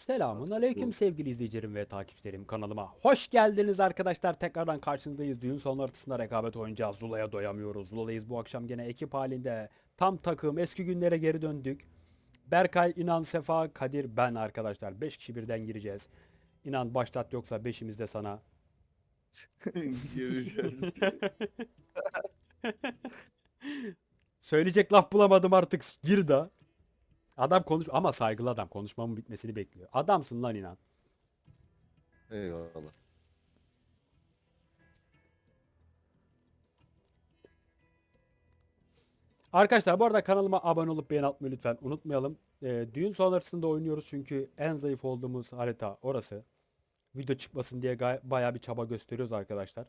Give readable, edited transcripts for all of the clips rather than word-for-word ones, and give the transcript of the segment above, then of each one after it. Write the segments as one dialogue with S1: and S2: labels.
S1: Selamun aleyküm sevgili izleyicilerim ve takipçilerim, kanalıma hoş geldiniz arkadaşlar. Tekrardan karşınızdayız. Düğün sonu ortasında rekabet oynayacağız. Zula'ya doyamıyoruz. Zula'yız bu akşam gene ekip halinde. Tam takım, eski günlere geri döndük. Berkay, İnan, Sefa, Kadir, ben arkadaşlar. 5 kişi birden gireceğiz. İnan başlat, yoksa beşimiz de sana.
S2: Görüşürüz.
S1: Söyleyecek laf bulamadım artık, gir da. Adam konuş ama saygılı adam, konuşmamın bitmesini bekliyor. Adamsın lan İnan.
S2: Eyvallah.
S1: Arkadaşlar bu arada kanalıma abone olup beğeni atmayı lütfen unutmayalım. Düğün sonrasında oynuyoruz çünkü en zayıf olduğumuz harita orası. Video çıkmasın diye bayağı bir çaba gösteriyoruz arkadaşlar.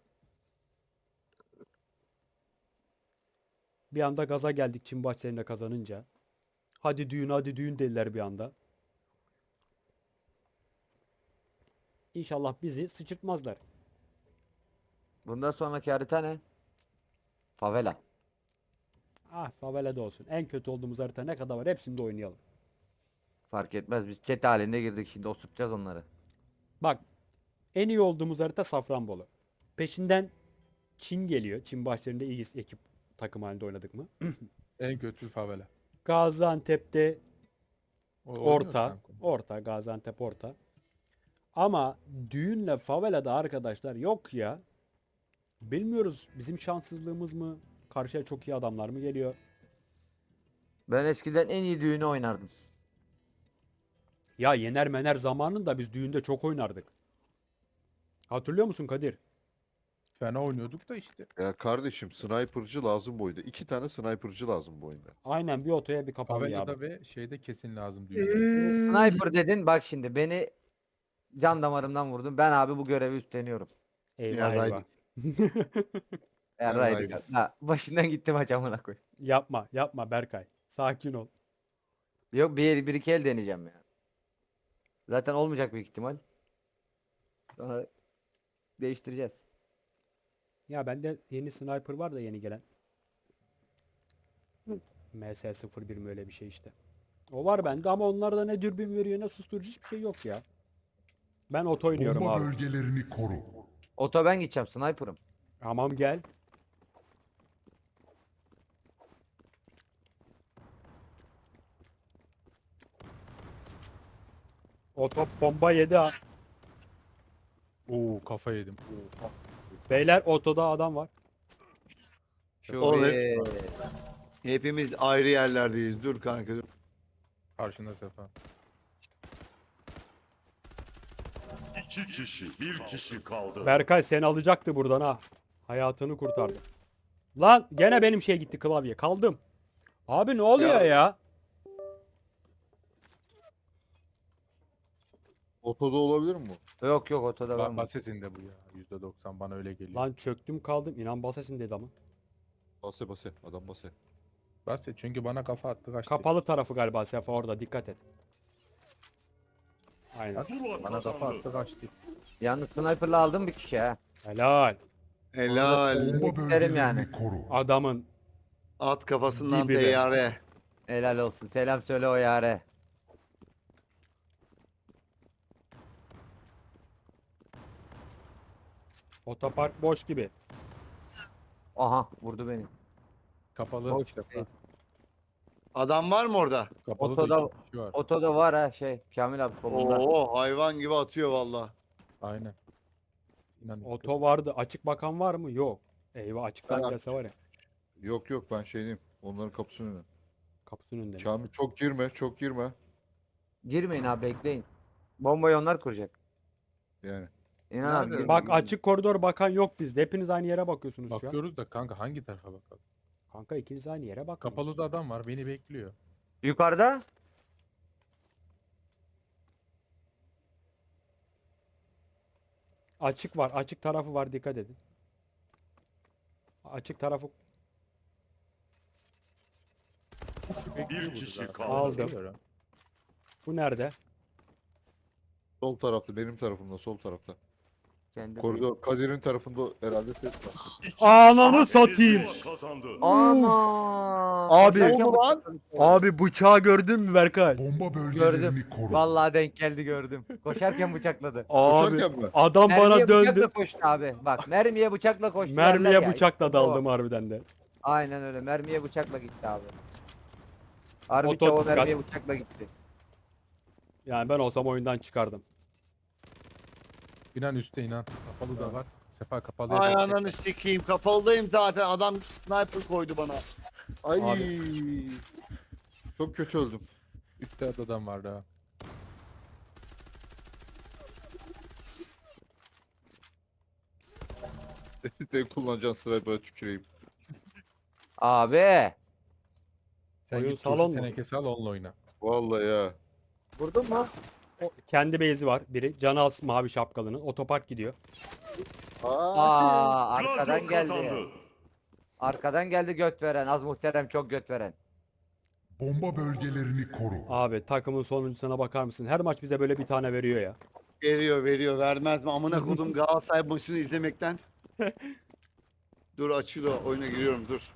S1: Bir anda gaza geldik Çin bahçelerinde kazanınca. Hadi düğün hadi düğün dediler bir anda. İnşallah bizi sıçırtmazlar.
S3: Bundan sonraki harita ne? Favela.
S1: Ah, favelada olsun. En kötü olduğumuz harita ne kadar var hepsinde oynayalım.
S3: Fark etmez. Biz chat halinde girdik, şimdi osurtacağız onları.
S1: Bak, en iyi olduğumuz harita Safranbolu. Peşinden Çin geliyor. Çin bahçelerinde iyi ekip takım halinde oynadık mı?
S4: En kötü favela.
S1: Gaziantep'te
S4: Oynuyoruz
S1: orta.
S4: kanka.
S1: Orta. Gaziantep orta. Ama düğünle favelada arkadaşlar yok ya. Bilmiyoruz, bizim şanssızlığımız mı? Karşıya çok iyi adamlar mı geliyor?
S3: Ben eskiden en iyi düğünü oynardım.
S1: Ya Yener Mener zamanında biz düğünde çok oynardık. Hatırlıyor musun Kadir?
S4: Fena oynuyorduk da işte.
S2: Ya kardeşim sniper'cı lazım bu oyunda. 2 tane sniper'cı lazım bu oyunda.
S1: Aynen, bir otoya bir kapalı ya.
S4: Favela'da ve şeyde kesin lazım düğünde.
S3: Şimdi sniper dedin, bak şimdi beni can damarımdan vurdun. Ben abi bu görevi üstleniyorum.
S1: Eyvah eyvah.
S2: Yarraydık.
S3: Yarraydık.
S2: Yarraydık.
S3: Ha, başından gittim maç, amına koy.
S1: Yapma yapma Berkay. Sakin ol.
S3: Yok, bir iki el deneyeceğim ya. Zaten olmayacak büyük ihtimal. Sonra değiştireceğiz.
S1: Ya bende yeni sniper var da, yeni gelen. MS-01 mi, öyle bir şey işte. O var bende ama onlarda ne dürbün veriyor ne susturucu, hiçbir şey yok ya. Ben oto oynuyorum
S5: Bomba
S1: abi.
S5: bölgelerini koru.
S3: Oto ben gideceğim, sniper'ım.
S1: Tamam, gel. Oto bomba yedi ha.
S4: Oo, kafa yedim.
S1: Beyler, otoda adam var.
S3: Şu
S2: Evet. Hepimiz ayrı yerlerdeyiz. Dur kanka. Dur.
S4: Karşında sefa.
S6: 2 kişi, bir kişi kaldı.
S1: Berkay seni alacaktı buradan ha. Hayatını kurtardı. Lan gene benim şey gitti, klavye. Kaldım. Abi ne oluyor ya?
S2: Otoda olabilir mi bu?
S3: yok yok, otoda ben.
S4: Basesinde bu ya. %90 bana öyle geliyor.
S1: Lan çöktüm kaldım. İnan basesin dedi ama.
S2: Base base. Adam base.
S4: Baset çünkü bana kafa attı kaçtı.
S1: Kapalı tarafı galiba Sefa, orada dikkat et. Aynen.
S6: Zula
S4: Bana kafa
S6: kazandı.
S4: attı kaçtı.
S3: Yalnız sniper'la aldım bir kişi ha.
S1: Helal.
S2: Helal.
S5: Bomba
S3: İsterim
S5: bölgelerini
S3: yani.
S5: koru.
S1: Adamın
S2: At kafasından
S1: Dibine.
S2: teyyare.
S3: Helal olsun. Selam söyle o yare.
S1: otopark boş gibi.
S3: Aha, vurdu beni.
S4: Kapalı
S3: Boş
S4: sefa.
S3: değil.
S2: Adam var mı orada?
S4: Kapalı
S3: Otoda-
S4: da 2 kişi var.
S3: Otoda var ha, şey Kamil abi solunda.
S2: Oo hayvan gibi atıyor valla.
S4: Aynen. İnan
S1: Oto vardı. Açık bakan var mı? Yok. Eyvah, açıktan
S2: Ben-
S1: gelse var ya.
S2: Yok yok ben şey diyeyim. Onların kapısının önüne.
S1: Kapısının önünde.
S2: Kamil çok girme çok girme.
S3: Girmeyin abi, bekleyin. Bombayı onlar kuracak.
S2: Yani.
S3: İnan abi.
S2: Nerede?
S3: girmeyin.
S1: Bak, açık koridor bakan yok bizde. Hepiniz aynı yere bakıyorsunuz şu an.
S4: bakıyoruz da kanka hangi tarafa bakalım?
S1: Kanka ikiniz aynı yere bakın.
S4: Kapalı da adam var beni bekliyor.
S3: Yukarıda.
S1: Açık var. Açık tarafı var. Dikkat edin. Açık tarafı
S4: Bekliyor
S6: kişi
S4: burada.
S6: kaldı.
S1: Aldım.
S4: Bekliyor ha.
S1: bu nerede?
S2: Sol tarafta benim tarafımda sol tarafta.
S3: Kendi
S5: Koridor Kadir'in tarafında herhalde ses var.
S1: Ananı satayım.
S6: Zula kazandı.
S3: Ana!
S1: Abi.
S3: Koşarken
S2: O mu lan?
S3: bıçakladı.
S1: Abi bıçağı gördün mü Berkay?
S7: Bomba bölgelerini
S3: Gördüm.
S7: koru.
S3: Vallahi denk geldi gördüm. Koşarken bıçakladı.
S1: Abi
S5: Koşarken mi?
S1: adam
S3: Mermiye
S1: bana döndü.
S3: bıçakla koştu abi. Bak mermiye bıçakla koştu. derler
S1: Mermiye
S3: ya.
S1: bıçakla
S3: İşte
S1: daldım
S3: o.
S1: harbiden de.
S3: Aynen öyle. Mermiye bıçakla gitti abi. Harbi
S1: Oto
S3: çavo
S1: dikkat.
S3: mermiye bıçakla gitti.
S1: Yani ben olsam oyundan çıkardım.
S4: İnan üstte inan. Kapalı da var. Sefa kapalı.
S2: Ay ananı sikeyim. Kapalıdayım zaten. Adam sniper koydu bana.
S5: Ay.
S1: Abi.
S5: Çok kötü öldüm.
S4: Üstte adam var daha.
S5: Siteyi kullanacağın sırayı böyle tüküreyim.
S3: Abi.
S4: Sen
S1: Oyun
S4: git
S1: salon
S4: salon
S1: mu?
S4: tenekesi al onunla oyna.
S5: Vallahi ya.
S3: Vurdun mu?
S1: O, kendi base'i var biri. Can Als mavi şapkalının. Otopark gidiyor.
S3: Aa,
S6: Gladio
S3: arkadan geldi.
S6: kazandı.
S3: Arkadan geldi göt veren. Az muhterem çok göt veren.
S7: Bomba bölgelerini koru.
S1: Abi takımın sonuncusuna bakar mısın? Her maç bize böyle bir tane veriyor ya.
S2: Veriyor. Vermez mi? Amına kodum Galatasaray maçını izlemekten. Dur açılıyor. Oyuna giriyorum dur.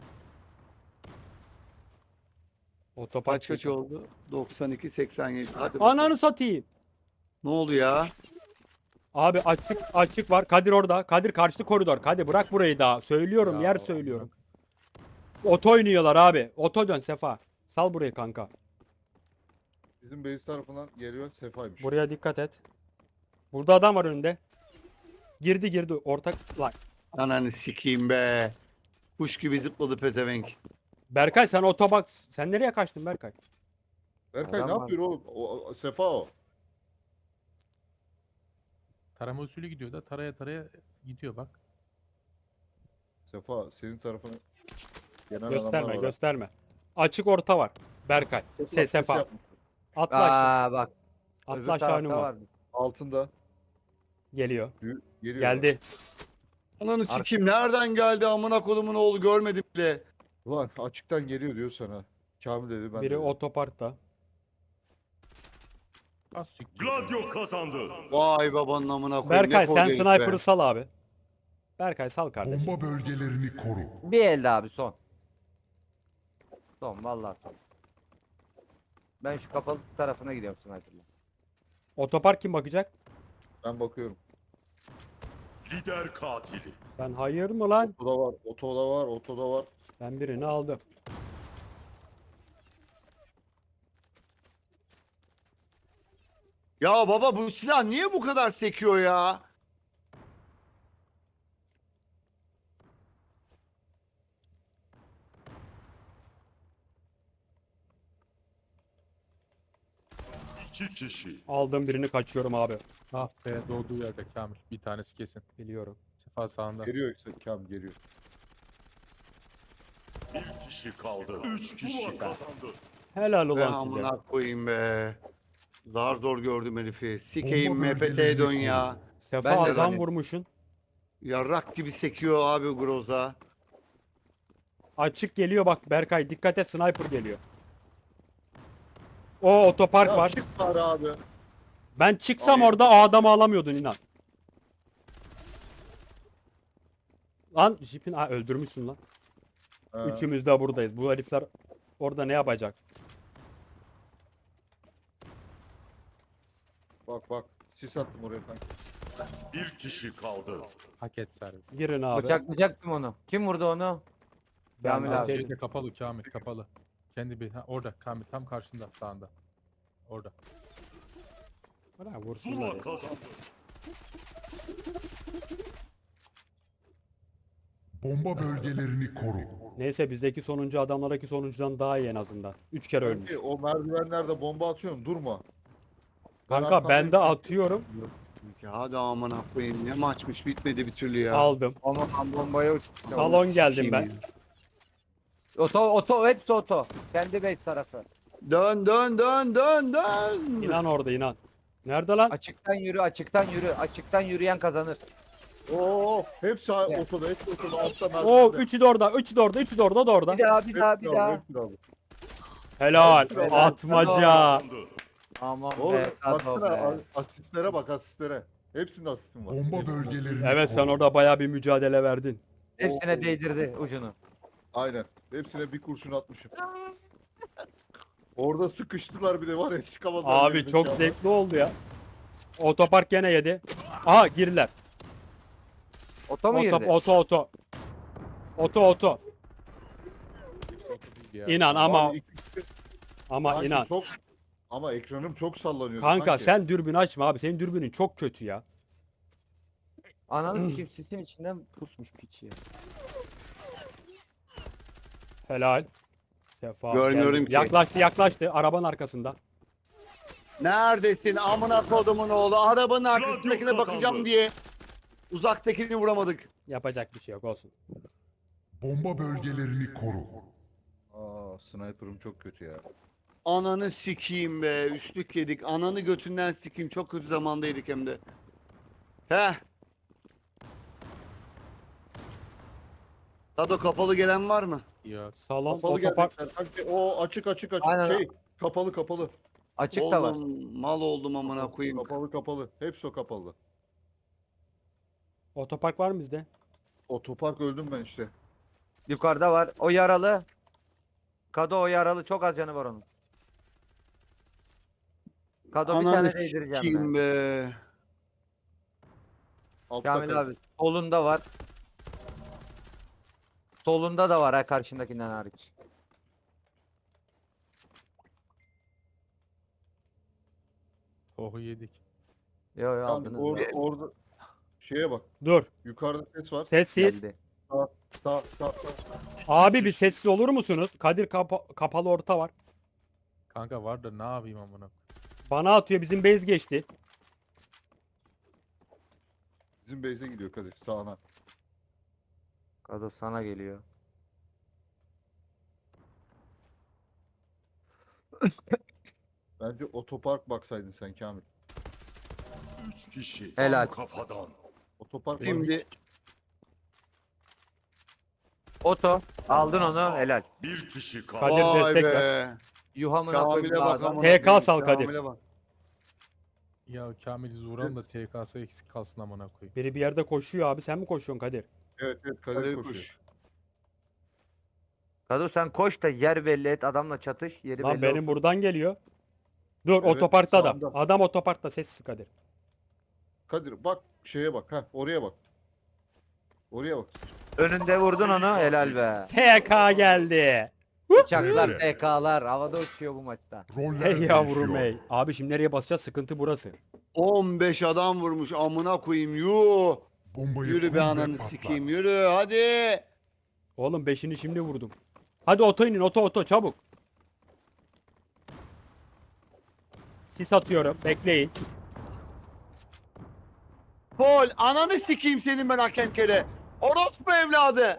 S1: Otopark
S2: Kaç
S1: gidiyor.
S2: oldu? 92-87. Hadi bakalım.
S1: Ananı satayım.
S2: Ne oldu ya?
S1: Abi açık var. Kadir orada. Kadir karşı koridor. Kadir bırak burayı daha. Söylüyorum
S4: Ya
S1: yer
S4: Allah.
S1: söylüyorum. Oto oynuyorlar abi. Oto dön Sefa. Sal burayı kanka.
S5: Bizim base tarafından geliyor Sefa'ymış.
S1: Buraya dikkat et. Burada adam var önünde. Girdi ortak. Lan.
S2: Ananı sikeyim be. Kuş gibi zıpladı pezevenk.
S1: Berkay sen otobak. Sen nereye kaçtın Berkay?
S5: Berkay ne
S3: Adam var.
S5: yapıyor oğlum? Sefa o.
S4: Tarama usulü gidiyor da taraya gidiyor bak.
S5: Sefa senin tarafına gelen
S1: Gösterme
S5: adamlar var.
S1: gösterme. Açık orta var. Berkay. Sefa.
S5: yapmış.
S1: Atla aşağı.
S3: Aa bak.
S1: Atla
S3: Öbür
S1: aşağı
S3: tarafta
S1: önüm var.
S3: var.
S5: Altında.
S1: Geliyor.
S5: Geliyor.
S1: Geldi.
S2: Ananı sikeyim nereden geldi amına kodumun oğlu görmedim bile.
S5: Ulan açıktan geliyor diyor sana. Kamil dedi ben
S1: Biri
S5: dedim.
S1: otoparkta.
S4: Az siktir.
S6: Gladio kazandı.
S2: Vay babanın amına koyayım.
S1: Berkay
S2: ne
S1: sen
S2: kolyeymiş be.
S1: sniper'ı sal abi. Berkay sal kardeşim.
S7: Bomba bölgelerini koru.
S3: Bir elde abi son. Son vallahi son. Ben şu kapalı tarafına gidiyorum sniper'la.
S1: Otopark kim bakacak?
S5: Ben bakıyorum.
S6: Lider katili.
S1: Sen hayır mı lan?
S5: Otoda var, otoda var, otoda var.
S1: Ben birini aldım.
S2: Ya baba bu silah niye bu kadar sekiyor ya?
S6: İki kişi.
S1: Aldım birini kaçıyorum abi.
S4: Ah be doğduğu yerde Kamil. Bir tanesi kesin.
S1: Biliyorum.
S4: Sefa sağında.
S5: Geliyor işte Kamil geliyor.
S6: Bir kişi kaldı. Üç kişi kazandı.
S1: Helal
S2: Be
S1: ulan size.
S2: amına koyayım be. Zar zor gördüm herifi. Sikeyim
S7: Bomba
S2: MPT'ye
S7: bölgelerini
S2: dön
S7: koru.
S2: ya.
S1: Sefa
S2: Ben de
S1: adam
S2: hani-
S1: vurmuşsun.
S2: Yarrak gibi sekiyor abi Groza.
S1: Açık geliyor bak Berkay dikkat et sniper geliyor. O otopark
S5: Ya
S1: var.
S5: çık bari abi.
S1: Ben çıksam
S2: Ay.
S1: orada o adamı alamıyordun inan. Lan jipin öldürmüşsün lan.
S5: Ha,
S1: Üçümüz de buradayız. Bu herifler orada ne yapacak?
S5: bak. Sis attım oraya kanka.
S6: Bir kişi kaldı.
S4: Paket servis.
S1: Girin abi.
S3: Bıçaklayacaktım onu. Kim vurdu onu?
S1: Ben
S3: Kamil abi.
S1: alsaydım.
S4: Şeyde kapalı Kamil kapalı. Kendi bir orada Kamil tam karşında sağında. Orada.
S1: Bırak vursunlar
S6: Zula
S1: ya.
S6: kazandı.
S7: Bomba bölgelerini koru.
S1: Neyse bizdeki sonuncu adamlardaki sonuncudan daha iyi en azından. 3 kere ölmüş.
S5: Kanki, o merdivenlerde bomba atıyorsun durma.
S1: Kanka ben de atıyorum.
S2: Ya hadi amına koyayım ne maçmış bitmedi bir türlü ya.
S1: Aldım.
S3: Aman bombaya uçtu.
S1: Salon geldim ben.
S3: Oto hepsi oto. Kendi base tarafı.
S2: Dön.
S1: İnan orada inan. Nerede lan?
S3: Açıktan yürü, açıktan yürü. Açıktan yürüyen kazanır.
S5: Oo, hepsi
S3: Evet.
S5: otoda, hepsi otoda. Altta
S1: Oo
S5: merdivende.
S1: üçü de orada. Üçü de orada. Üçü de orada. O da orada.
S3: Bir daha.
S5: Hepsini aldı, hepsini aldı.
S1: Helal.
S3: Helal.
S1: Atmaca.
S6: Kazandı.
S3: Aman
S5: Oğlum
S3: be.
S5: baksana
S3: Tato be.
S5: asistlere bak asistlere. Hepsinde asistim var.
S7: Bomba
S5: Hepsinde.
S7: bölgelerini
S1: Evet
S7: koru.
S1: sen orada bayağı bir mücadele verdin.
S3: Hepsine değdirdi ucunu.
S5: Aynen. Hepsine bir kurşun atmışım. Orada sıkıştılar bir de var ya çıkamadılar.
S1: Abi çok
S5: gerizekalı.
S1: zevkli oldu ya. Otopark gene yedi. Aha girdiler.
S3: Oto mu girdi?
S1: Oto. Oto.
S4: Hepsi oto değil ya.
S1: İnan
S5: Abi
S1: ama
S5: sanki
S1: inan.
S5: Çok, ama ekranım çok sallanıyor.
S1: Kanka
S5: sanki.
S1: sen dürbün açma abi. Senin dürbünün çok kötü ya.
S3: Ananı sikeyim sisin içinden pusmuş piç ya.
S1: Helal. Sefa
S2: Görmüyorum
S1: geldi.
S2: ki.
S1: Yaklaştı. Arabanın arkasında.
S2: Neredesin amına kodumun oğlu? Arabanın arkasındakine
S6: kazandı.
S2: bakacağım diye. Uzaktakini vuramadık.
S1: Yapacak bir şey yok olsun.
S7: Bomba bölgelerini koru.
S5: Aa, sniper'ım çok kötü ya.
S2: Ananı sikeyim be. Üçlük yedik. Ananı götünden sikeyim. Çok kötü zamandaydık hem de. Heh. Tado kapalı gelen var mı?
S4: Ya.
S1: Salon
S5: Kapalı
S1: otopark.
S5: gelecekler. Sanki o açık.
S3: Aynen.
S5: Şey kapalı.
S3: Açık da var.
S2: Oğlum mal oldum amına koyayım.
S5: Kapalı. Hepsi o kapalı.
S1: Otopark var mı bizde?
S5: Otopark öldüm ben işte.
S3: Yukarıda var. O yaralı. Kado o yaralı. Çok az canı var onun. Kado bir
S2: Ananı
S3: tane değdireceğim
S2: sikeyim
S3: ben.
S2: be.
S5: Altta
S3: Kamil
S5: kal.
S3: abi. Solunda var. Solunda da var ha karşındakinden hariç.
S4: Ohu yedik.
S3: Yo yo
S5: Kanka,
S3: aldınız.
S5: orada şeye bak.
S1: Dur.
S5: Yukarıda ses var.
S1: Sessiz.
S3: Geldi.
S5: Sağ.
S1: Abi bir sessiz olur musunuz? Kadir kapalı orta var.
S4: Kanka var da ne yapayım amına.
S1: Bana atıyor. Bizim base geçti.
S5: Bizim base'e gidiyor Kadir sağına.
S3: Kado sana geliyor.
S5: Bence otopark baksaydın sen Kamil.
S6: 3 kişi.
S3: Helal.
S6: Tam kafadan.
S5: Otopark
S2: Şimdi
S3: Oto. Aldın onu. Helal.
S6: Bir kişi kaldı.
S1: Kadir
S2: vay
S1: destek
S2: be.
S1: ver.
S3: Yuhamına koyayım
S2: Kamil'e bak
S3: sağdan.
S2: amına
S1: TK
S2: koyayım.
S1: sal Kadir.
S2: Kamil'e bak.
S4: Ya Kamil Zuran da TK'sı eksik kalsın amına koyayım.
S1: Biri bir yerde koşuyor abi. Sen mi koşuyorsun Kadir?
S5: Evet Kadir
S2: Kadir
S5: koşuyor.
S2: kuş.
S3: Kado sen koş da yer belli et. Adamla çatış. Yeri
S1: Lan
S3: belli
S1: benim
S3: olsun.
S1: buradan geliyor. Dur
S5: Evet,
S1: otoparkta adam.
S5: sağında.
S1: Adam otoparkta sessiz Kadir.
S5: Kadir bak şeye bak. Heh, oraya bak. Oraya bak.
S3: Önünde vurdun onu. Helal be.
S1: TK geldi.
S3: Bıçaklar, PK'lar havada uçuyor bu maçta.
S7: Roller
S1: Hey yavrum
S7: değişiyor.
S1: hey. Abi şimdi nereye basacağız? Sıkıntı burası.
S2: 15 adam vurmuş amına koyayım. Yuh.
S7: Bombayı
S2: Yürü
S7: kur
S2: be
S7: ve
S2: ananı
S7: patlat.
S2: sikeyim. Yürü hadi.
S1: Oğlum 5'ini şimdi vurdum. Hadi oto inin oto çabuk. Sis atıyorum. Bekleyin.
S2: Pol ananı sikeyim senin ben hakem kere. Orospu evladı.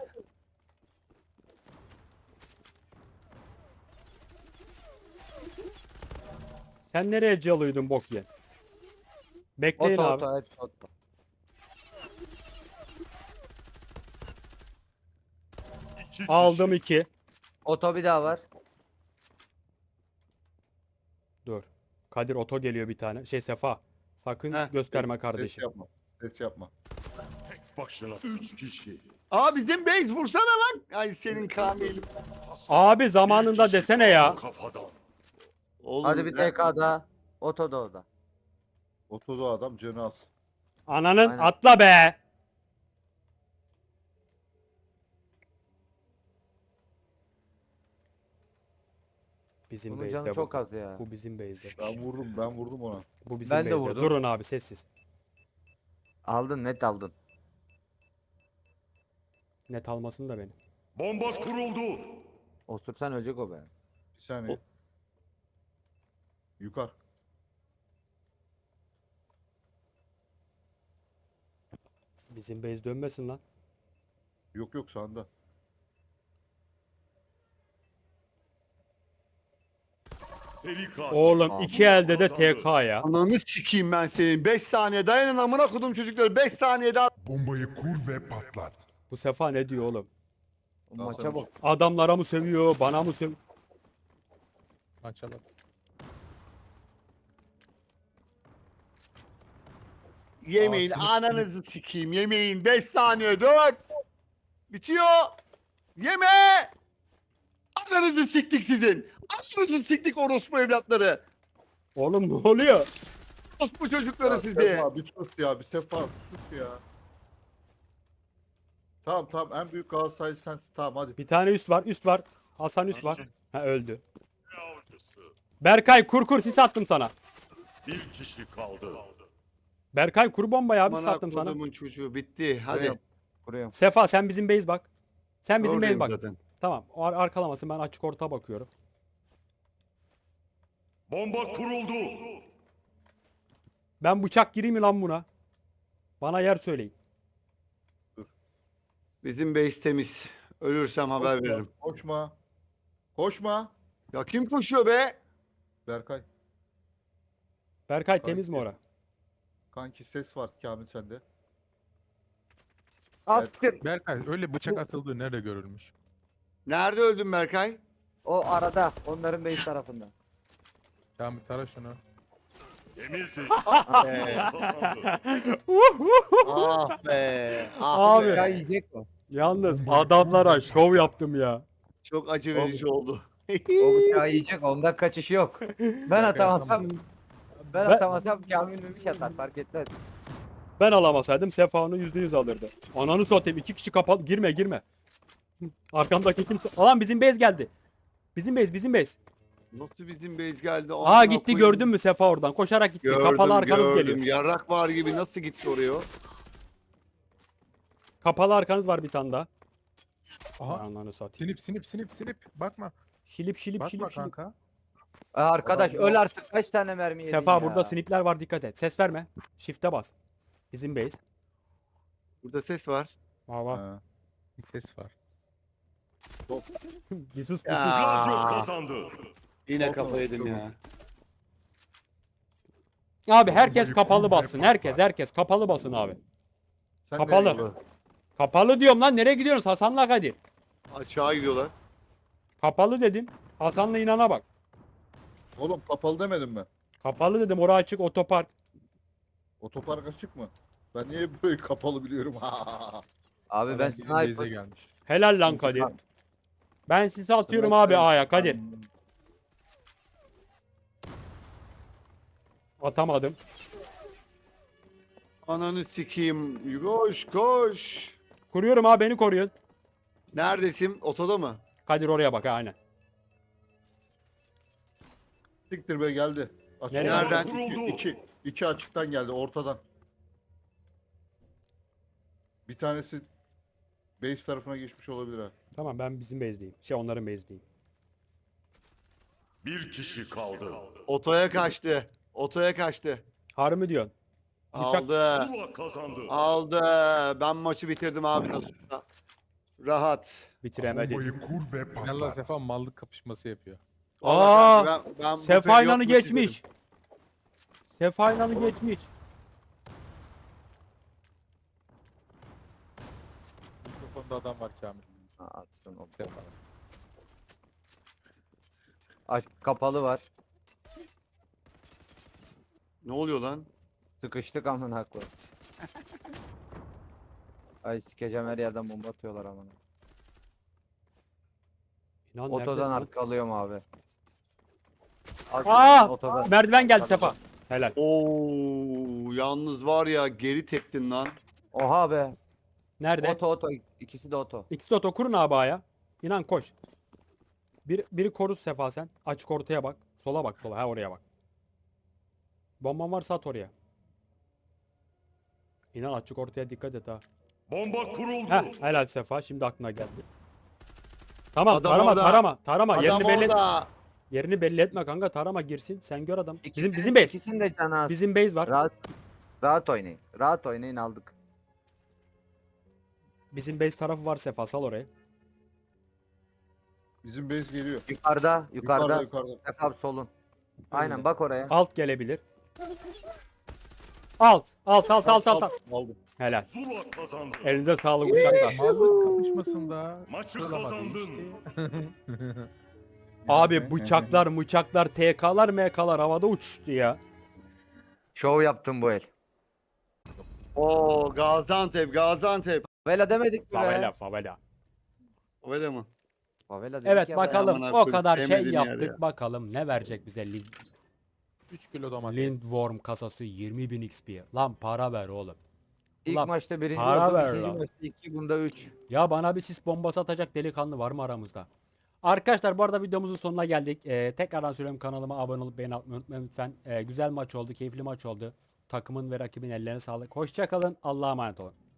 S1: Sen nereye calıyordun bok ye? Bekleyin
S3: Oto
S1: abi.
S3: oto hepsi oto.
S6: İki
S1: Aldım
S6: kişi.
S1: 2.
S3: Oto bir daha var.
S1: Dur. Kadir oto geliyor bir tane. Şey Sefa. Sakın
S2: Heh,
S1: gösterme
S5: Ses
S1: kardeşim.
S5: yapma. Ses yapma.
S6: Başına 3 kişi.
S2: Aa bizim base vursana lan. Ay senin Kamil.
S1: Abi zamanında
S6: Bir kişi
S1: desene ya.
S6: kaldı Kafadan.
S2: Oğlum,
S3: Hadi bir TK daha. Oto da orada.
S5: Otoda adam canı az.
S1: Ananın
S3: Aynen.
S1: atla be. Bizim
S3: Bunun canı
S1: base'de bu.
S3: çok az ya.
S1: Bu bizim base'de.
S5: Ben vurdum ona.
S1: Bu bizim
S3: Ben de
S1: base'de.
S3: vurdum.
S1: Durun abi sessiz.
S3: Aldın net aldın.
S1: Net almasın da beni.
S6: Bomba kuruldu.
S3: Osursan ölecek o be.
S5: Bir saniye. Yukarı.
S1: Bizim base dönmesin lan.
S5: Yok sağında.
S6: Seri katil.
S1: Oğlum
S3: Abi.
S1: iki elde de
S6: Kazandı.
S1: TK ya.
S2: Ananı sikeyim ben senin. 5 saniye dayanın amına kodum çocukları. 5 saniye daha.
S7: Bombayı kur ve patlat.
S1: Bu Sefa ne diyor oğlum?
S3: O maça bak.
S1: Adamlara mı sövüyor, bana mı sövüyor?
S4: Maça bak.
S2: Yemeyin
S4: Aa, sinip,
S2: ananızı sikeyim yemeyin 5 saniye 4. Bitiyor. Yeme. Ananızı siktik sizin. Ananızı siktik orospu evlatları.
S1: Oğlum ne oluyor?
S2: Orospu çocukları
S5: Ya
S2: sizi.
S5: Sefa bir sus ya. Bir Sefa sus ya. Tamam tamam en büyük Galatasaray sensin. Tamam hadi.
S1: Bir tane üst var, üst var. Hasan üst var. Ha öldü.
S6: Avcısı.
S1: Berkay kur sis attım sana.
S6: Bir kişi kaldı.
S1: Berkay kur bombayı abi sis
S2: Bana
S1: attım sana.
S2: kodumun çocuğu bitti. Hadi.
S3: Kuruyorum. Kuruyorum.
S1: Sefa sen bizim base bak. Sen bizim base
S2: Oradayım
S1: bak.
S2: zaten.
S1: Tamam. Arkalamasın ben açık orta bakıyorum.
S6: Bomba kuruldu.
S1: Ben bıçak gireyim mi lan buna? Bana yer söyleyin.
S2: Bizim base temiz. Ölürsem haber
S5: Koşma,
S2: veririm.
S5: Koşma. Koşma.
S2: Ya kim koşuyor be?
S5: Berkay.
S1: Berkay temiz mi ora?
S5: Kanki ses var Kamil sende.
S3: Astır.
S4: Berkay öyle bıçak atıldığı nerede görülmüş?
S2: Nerede öldün Berkay?
S3: O arada. Onların base tarafında.
S4: Kamil tara şunu.
S6: Temizlik.
S2: Ah be. Ah
S1: Abi.
S2: be.
S3: Ya yiyecek o.
S1: Yalnız adamlara şov yaptım ya.
S2: Çok acı verici oldu.
S3: O bıçağı yiyecek. Onda kaçış yok. Ben atamazsam ben atamasam Kamil Memiş atar fark etmez.
S1: Ben alamasaydım Sefa onu %100 alırdı. Ananı satayım 2 kişi kapalı. Girme. Arkamdaki kimse. Alan bizim base geldi. Bizim base.
S2: Nasıl bizim base geldi?
S1: Aa
S2: Amına
S1: gitti
S2: koyayım.
S1: gördün mü Sefa oradan koşarak gitti.
S2: Gördüm,
S1: Kapalı arkanız
S2: gördüm.
S1: geliyor.
S2: Yarrak var gibi nasıl gitti oraya o?
S1: Kapalı arkanız var bir tane daha.
S4: Aha.
S1: Ananı satayım.
S4: Sinip. Bakma.
S1: Şilip.
S4: Bakma kanka.
S3: Arkadaş öl artık kaç tane mermi yedin
S1: Sefa
S3: ya.
S1: burada snipler var dikkat et. Ses verme. Shift'e bas. Bizim base.
S2: Burada ses var.
S1: Vava.
S5: Ha.
S4: Bir ses var.
S1: Bir sus.
S2: Ya.
S6: Radyo kazandı.
S2: Yine
S5: Çok
S2: kafa yedim
S5: çok
S2: ya.
S1: Abi herkes kapalı bassın. Herkes kapalı basın abi.
S5: Sen
S1: Kapalı.
S5: nereye gidiyorsun?
S1: Kapalı diyorum lan nereye gidiyorsunuz Hasan'la Kadir?
S2: Aşağı gidiyorlar.
S1: Kapalı dedim. Hasan'la inana bak.
S5: Oğlum kapalı demedim mi?
S1: Kapalı dedim orası açık otopark.
S5: Otopark açık mı? Ben niye böyle kapalı biliyorum?
S3: Abi ben
S4: Adam bizim base'e
S3: sniper.
S4: gelmiş.
S1: Helal lan Kadir. Ben sizi atıyorum abi A'ya Kadir. Atamadım.
S2: Ananı sikeyim. Koş.
S1: Kuruyorum abi beni koruyun.
S2: Neredesin? Otoda mı?
S1: Kadir oraya bak ha, aynen.
S5: Siktir be geldi. Açık.
S1: Nereden?
S5: İki açıktan geldi ortadan. Bir tanesi base tarafına geçmiş olabilir ha.
S1: Tamam ben bizim base'deyim. Onların base'deyim.
S6: Bir kişi kaldı.
S2: Otoya kaçtı.
S1: Harbi mi diyorsun? Bıçak-
S2: Aldı.
S6: Zula kazandı.
S2: Aldı. Ben maçı bitirdim abi nasıl olsa. Rahat.
S1: Bitiremedi.
S7: Bombayı kur ve
S4: Finalde
S7: patlat.
S4: Sefa mallık kapışması yapıyor.
S1: Aa,
S2: Vallahi ben bu
S1: Sefa
S2: periyot
S1: İnan'ı
S2: maçı
S1: geçmiş.
S2: izledim.
S1: Sefa İnan'ı geçmiş.
S4: Mikrofonda adam var Kamil.
S3: Attın o.
S4: Sefa.
S3: Kapalı var.
S2: Ne oluyor lan?
S3: Sıkıştık amına koyayım. Ay sikeceğim her yerden bomba atıyorlar amına.
S1: İnan
S3: Otodan
S1: neredesin lan?
S3: arkalıyorum abi.
S1: Aa!
S3: Otodan.
S1: Merdiven geldi Sefa. Helal.
S2: Oo, yalnız var ya geri teptin lan.
S3: Oha be.
S1: Nerede?
S3: Oto. İkisi de oto.
S1: İkisi de oto kurun abi A'ya. İnan koş. Biri koru Sefa sen. Açık ortaya bak. Sola bak sola. Ha oraya bak. Bomban varsa at oraya. İnan açık ortaya dikkat et ha.
S6: Bomba kuruldu.
S1: Helal Sefa. Şimdi aklına geldi. Tamam
S2: Adam
S1: tarama
S2: orada.
S1: tarama. Tarama.
S2: Adam
S1: Yerini belli
S2: orada.
S1: yerini belli etme kanka. Tarama girsin. Sen gör adam.
S3: İkisinin-
S1: Bizim base.
S3: İkisinin de canı az.
S1: Bizim base var.
S3: Rahat oynayın. Rahat oynayın aldık.
S1: Bizim base tarafı var Sefa. Sal oraya.
S5: Bizim base geliyor.
S3: Yukarıda.
S5: Yukarıda.
S3: Efendim solun. Aynen bak oraya.
S1: Alt gelebilir. Alt.
S5: Aldım.
S1: Helal.
S6: Zula kazandı.
S1: Elinize sağlık uşaklar.
S4: Mallık kapışmasında
S6: Maçı
S4: kırılamadı
S6: kazandın.
S4: işte.
S1: Abi bıçaklar, TK'lar, MK'lar havada uçuştu ya.
S3: Şov yaptım bu el.
S2: Oo Gaziantep, Gaziantep.
S3: Favela demedik mi be?
S1: Favela favela.
S2: Öyle mi?
S3: Favela dedik
S1: Evet
S3: ya.
S1: bakalım
S2: amına
S1: o
S2: koyayım,
S1: kadar şey
S2: sevmediğim yer
S1: yaptık.
S2: ya.
S1: Bakalım ne verecek bize
S4: 3 kilo domates.
S1: Lindworm kasası 20.000 XP. Lan para ver oğlum.
S3: İlk
S1: Ulan
S3: maçta birinci
S1: para
S3: oldum.
S1: ver
S3: İkinci
S1: lan.
S3: maçta 2, bunda 3.
S1: Ya bana bir sis bombası atacak delikanlı var mı aramızda? Arkadaşlar bu arada videomuzun sonuna geldik. Tekrardan söylüyorum, kanalıma abone olup beğeni atmayı unutmayın lütfen. Güzel maç oldu, keyifli maç oldu. Takımın ve rakibin ellerine sağlık. Hoşça kalın. Allah'a emanet olun.